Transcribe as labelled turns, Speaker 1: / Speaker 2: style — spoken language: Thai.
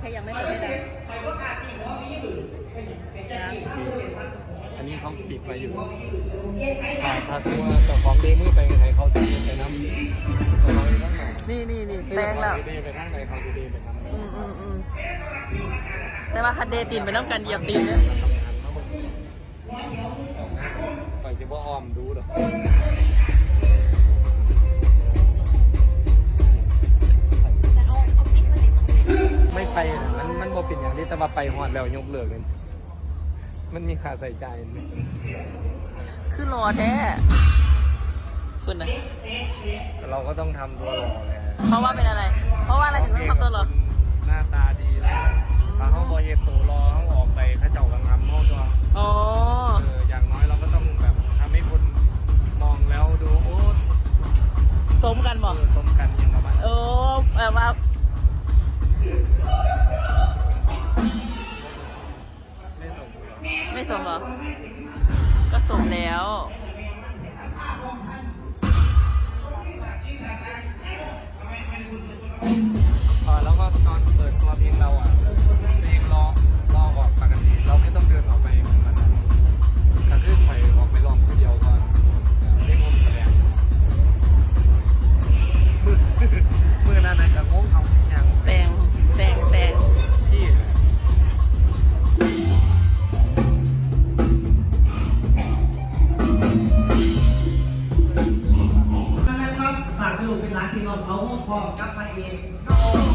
Speaker 1: แค่ยังไม่เปิดให้ดัง
Speaker 2: อันนี้เขาปิดไปอยู่ถ้าตัวเจ้าของเดมือไปใครเขาจะไปน้ำ
Speaker 1: นี่แปลงแล้ว
Speaker 2: เดไปทางไหนเขาจะเดไปน้ำ
Speaker 1: แต่ว่าคันเดตีนไปน้ำกันเหยียบตีนเนี่ย
Speaker 2: ไปจะว่าออมดูหรอไม่ไปมันบ่เป็นอย่างที่แต่ว่าไปหอดแล้วยกเลิกเลยมันมีค่าใส่ใจ
Speaker 1: คือรอแท้คุณนะ
Speaker 2: เราก็ต้องทำตัวหล่อเลย
Speaker 1: เพราะว่าเป็นอะไร เพราะว่าอะไรถึงต้องทำตัวหล่อ
Speaker 2: หน้าตาดีแล้วถ้าเขาบอยเย็บตัวรอเขาออกไปเขาเจ้ากังงำเขาตัวอย่างน้อยเราก็ต้องแบบทำให้คนมองแล้วดูโอ้
Speaker 1: สมกันบอก
Speaker 2: สมกันยังประมาณ
Speaker 1: แบบว่าไม่สมเหรอก็สมแล้ว
Speaker 2: แล้วก็ตอนเปิดตัวเพลงเราเพลงรอออกปกติเราไม่ต้องเดินออกไปเหมือนมันการขึ้นไปออกไปลองคนเดียวก่อนเล่นวงแสดงมือนั้นนะกับงงเขาอย่าง
Speaker 1: แตง
Speaker 2: ที่
Speaker 3: นะครับฝากลูกเป็นหลานพี่น้องเขาห้องพร้อมกลับมาเอง